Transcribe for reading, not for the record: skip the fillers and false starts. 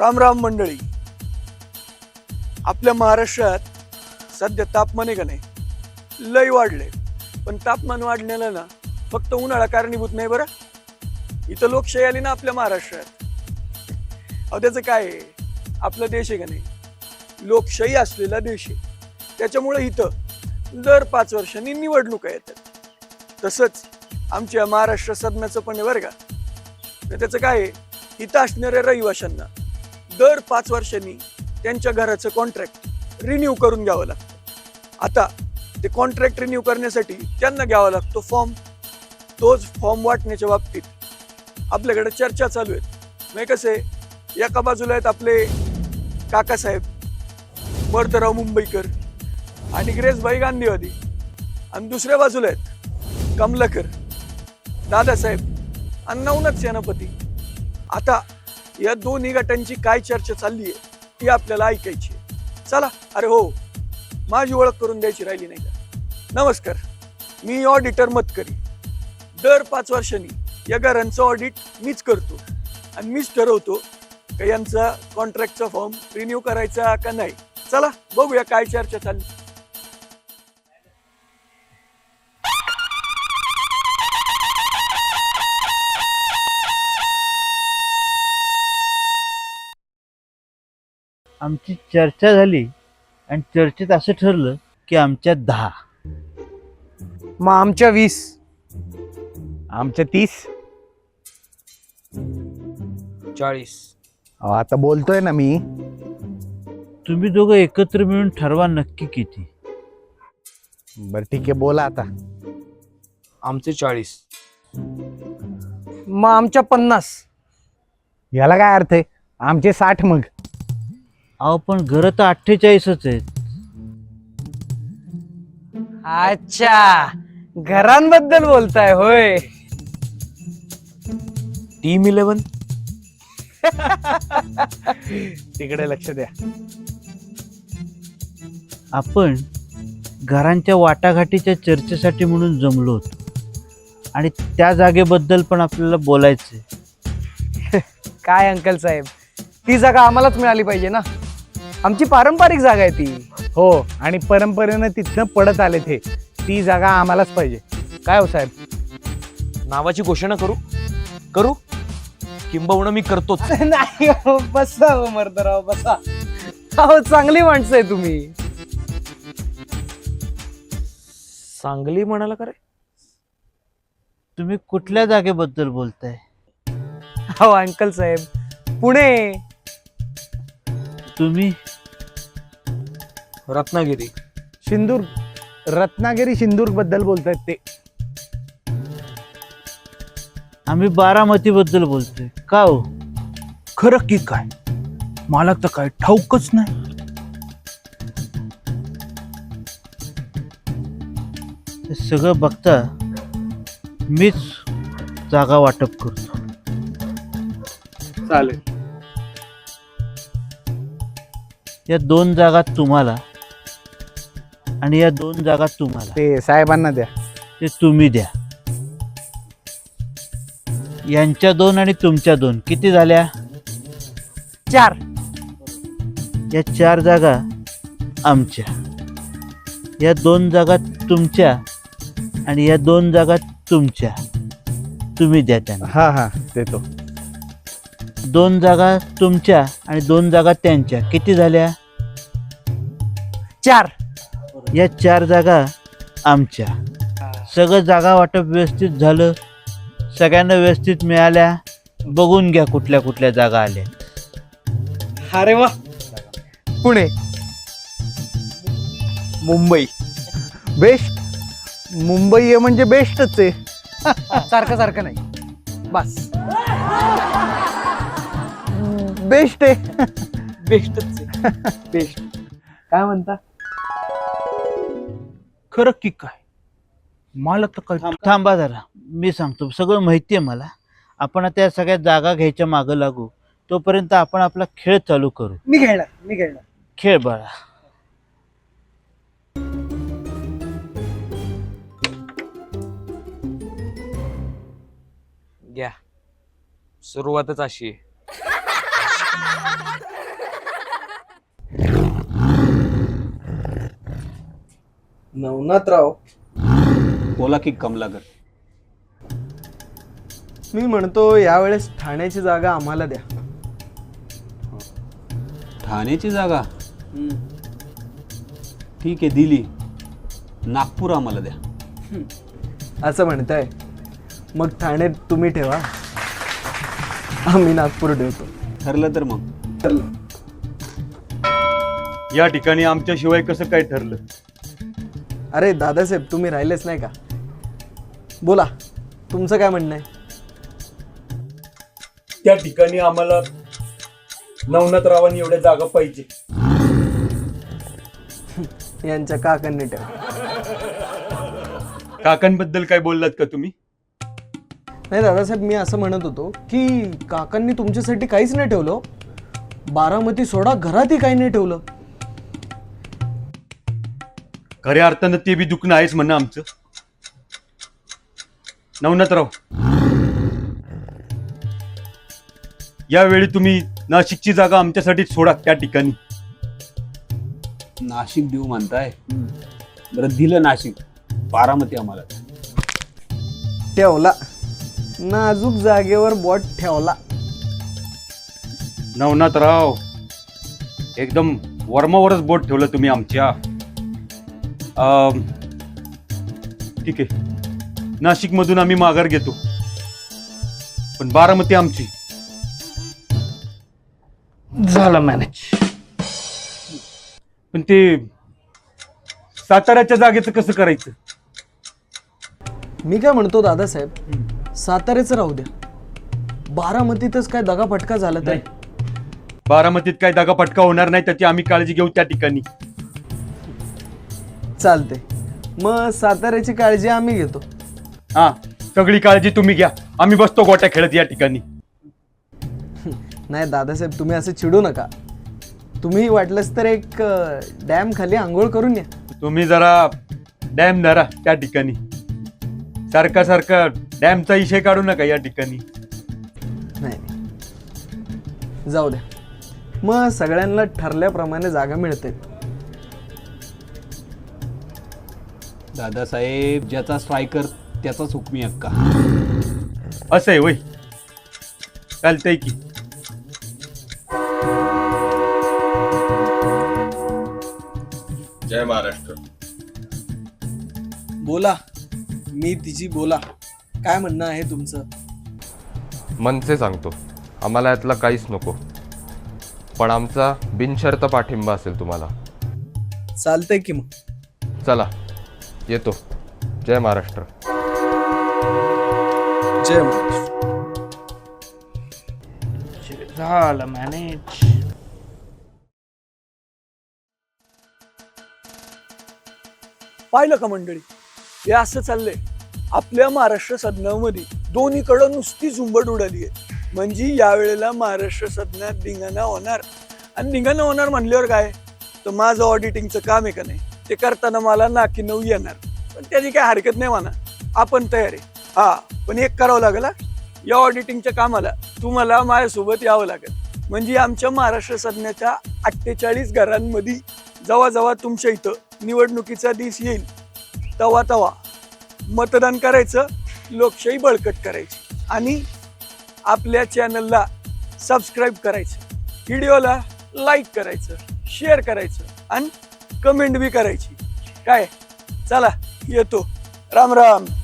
राम राम मंडळी. आपल्या महाराष्ट्रात सध्या तापमान आहे का नाही लय वाढले. पण तापमान वाढण्याला ना फक्त उन्हाळा कारणीभूत नाही बरं. इथं लोकशाही आली ना आपल्या महाराष्ट्रात. अहो त्याचं काय आहे, आपला देश आहे का नाही लोकशाही असलेला देश आहे. त्याच्यामुळे इथं दर 5 वर्षांनी निवडणुका येतात. तसंच आमच्या महाराष्ट्र सदनाचं पण आहे बरं का. तर त्याचं काय आहे, इथं असणाऱ्या रहिवाशांना दर 5 वर्षांनी त्यांच्या घराचं कॉन्ट्रॅक्ट रिन्यू करून घ्यावं लागतं. आता ते कॉन्ट्रॅक्ट रिन्यू करण्यासाठी त्यांना घ्यावा लागतो फॉर्म. तोच फॉर्म वाटण्याच्या बाबतीत आपल्याकडे चर्चा चालू आहेत. म्हणजे कसं आहे, एका बाजूला आहेत आपले काकासाहेब वर्धराव मुंबईकर आणि ग्रेसभाई गांधीवादी, आणि दुसऱ्या बाजूला आहेत कमलाकर दादासाहेब आणि नवनाथ सेनापती. आता या दोन्ही गटांची काय चर्चा चालली आहे ती आपल्याला ऐकायची. चला. अरे हो, माझी ओळख करून द्यायची राहिली नाही का. नमस्कार, मी ऑडिटर मतकरी. दर 5 वर्षांनी या घरांचं ऑडिट मीच करतो आणि मीच ठरवतो का यांचा कॉन्ट्रॅक्टचा फॉर्म रिन्यू करायचा का नाही. चला बघूया काय चर्चा चालली. आमची चर्चा झाली आणि चर्चेत असं ठरलं की आमच्या 10, मग आमच्या 20, आमच्या 30. 40. आता बोलतोय ना मी. तुम्ही दोघं एकत्र मिळून ठरवा नक्की किती. बर ठीक आहे, बोला आता. आमचे 40. मग आमच्या 50. याला काय अर्थ आहे, आमचे 60 मग. अहो पण घरं तर 48च आहेत. अच्छा, घरांबद्दल बोलताय होय. टीम 11. तिकडे लक्ष द्या. आपण घरांच्या वाटाघाटीच्या चर्चेसाठी म्हणून जमलो होतो आणि त्या जागेबद्दल पण आपल्याला बोलायचंय. काय अंकल साहेब, ती जागा आम्हालाच मिळाली पाहिजे ना. आमची पारंपरिक जागा आहे ती. हो, आणि परंपरेनं तिथनं पडत आले ते. ती जागा आम्हालाच पाहिजे. काय हो साहेब? नावाची घोषणा करू किंबहुना मी करतोच. नाही हो, बसा हो मर्दराव, बसा. हो, चांगली माणसं आहे तुम्ही. सांगली म्हणाला का रे? तुम्ही कुठल्या जागेबद्दल बोलताय? हो अंकल साहेब, पुणे. तुम्ही? रत्नागिरी. सिंधुदुर्ग. रत्नागिरी सिंधुदुर्ग बद्दल बोलतायत ते. आम्ही बारामती बद्दल बोलतोय. का हो? खरं की काय, मला तर काय ठाऊकच नाही. हे सगळं बघता मीच जागा वाटप करतो. चालेल. या 2 जागा तुम्हाला आणि या 2 जागा तुम्हाला. ते साहेबांना द्या. ते तुम्ही द्या. यांच्या 2 आणि तुमच्या 2 किती झाल्या? 4. या 4 जागा आमच्या. या 2 जागा तुमच्या आणि या 2 जागा तुमच्या. तुम्ही द्या त्यांना. हा देतो. 2 जागा तुमच्या आणि 2 जागा त्यांच्या किती झाल्या? 4. या 4 जागा आमच्या. सगळं जागा वाटप व्यवस्थित झालं, सगळ्यांना व्यवस्थित मिळाल्या. बघून घ्या कुठल्या कुठल्या जागा आल्या. अरे वा. पुणे. मुंबई. बेस्ट. मुंबई आहे म्हणजे बेस्टच आहे. सारखं सारखं नाही, बस. बेस्ट आहे. बेस्टच. बेस्ट. काय म्हणता? खरं की काय, मला तर काय. थांबा जरा, मी सांगतो. सगळं माहिती आहे मला. आपण आता या सगळ्या जागा घ्यायच्या मागं लागू. तोपर्यंत आपण आपला खेळ चालू करू. मी खेळणार. खेळ बाळा. घ्या, सुरुवातच अशी आहे. नवनाथराव, बोला की कमलाकर. मी म्हणतो यावेळेस ठाण्याची जागा आम्हाला द्या. ठाण्याची जागा ठीक आहे, दिली. नागपूर आम्हाला द्या. असं म्हणताय, मग ठाणे तुम्ही ठेवा, आम्ही नागपूर ठेवतो. ठरलं तर मग. या ठिकाणी आमच्याशिवाय कसं काय ठरलं? अरे दादासाहेब, तुम्ही राहिलेच नाही का? बोला, तुमचं काय म्हणणं आहे? त्या ठिकाणी आम्हाला नवनाथरावांनी एवढ्या जागा पाहिजे. यांच्या काकांनी ठेवा. काकांबद्दल काय बोललात का तुम्ही? नाही दादासाहेब, मी असं म्हणत होतो की काकांनी तुमच्यासाठी काहीच नाही ठेवलं. बारामती सोडा, घरातही काही नाही ठेवलं. खऱ्या अर्थानं ते बी दुखणं आहेच म्हणणं आमचं. नवनाथराव, यावेळी तुम्ही नाशिकची जागा आमच्यासाठी सोडा त्या ठिकाणी. नाशिक देऊ म्हणताय, बरं दिलं नाशिक. बारामती आम्हाला द्या. ठेवला, नाजूक जागेवर बोट ठेवला. नवनाथराव, एकदम वर्मावरच बोट ठेवलं तुम्ही आमच्या. ठीक आहे, नाशिकमधून आम्ही माघार घेतो, पण बारामती आमची. झालं मॅनेज. पण ते साताऱ्याच्या जागेचं कसं करायचं? मी काय म्हणतो दादासाहेब, साताऱ्याचं राहू द्या. बारामतीतच काय दगाफटका झाला तर? बारामतीत काय दगाफटका होणार नाही, त्याची आम्ही काळजी घेऊ त्या ठिकाणी. चालते, मग साताऱ्याची काळजी आम्ही घेतो. हा, सगळी काळजी तुम्ही घ्या, आम्ही बसतो गोट्या खेळत या ठिकाणी. नाही दादासाहेब, तुम्ही असं चिडू नका. तुम्ही वाटलंच तर एक डॅम खाली आंघोळ करून या. तुम्ही जरा डॅम धरा त्या ठिकाणी. सारखा सारखा डॅमचा विषय काढू नका या ठिकाणी. नाही, जाऊ द्या. मग सगळ्यांना ठरल्याप्रमाणे जागा मिळते. दादासाहेब, ज्याचा स्ट्रायकर त्याचाच हुकमी हक्का. असं आहे वय, चालतंय की. जय महाराष्ट्र. बोला, मी तिची बोला. काय म्हणणं आहे तुमचं? मनसे सांगतो, आम्हाला यातला काहीच नको, पण आमचा बिनशर्त पाठिंबा असेल तुम्हाला. चालतंय की मग. चला, येतो. जय महाराष्ट्र. जय महाराष्ट्र. झालं मॅनेज. पाहिलं का मंडळी, हे असं चाललंय आपल्या महाराष्ट्र सदनामध्ये. दोन्हीकडं नुसती झुंबड उडाली आहे. म्हणजे यावेळेला महाराष्ट्र सदनात धिंगाणा होणार. आणि धिंगाणा होणार म्हणल्यावर काय, तर माझं ऑडिटिंगचं काम आहे का नाही, ते करताना मला नाकी नऊ येणार. पण त्याची काय हरकत नाही म्हणा, आपण तयार आहे. हा, पण एक करावं लागेल. या ऑडिटिंगच्या कामाला तुम्हाला माझ्यासोबत यावं लागेल. म्हणजे आमच्या महाराष्ट्र सदनाच्या 48 घरांमध्ये जेव्हा जेव्हा तुमच्या इथं निवडणुकीचा दिवस येईल तेव्हा मतदान करायचं, लोकशाही बळकट करायची. आणि आपल्या चॅनलला सबस्क्राईब करायचं, व्हिडिओला लाईक करायचं, शेअर करायचं आणि कमेंट बी करायची. काय, चला येतो. राम राम.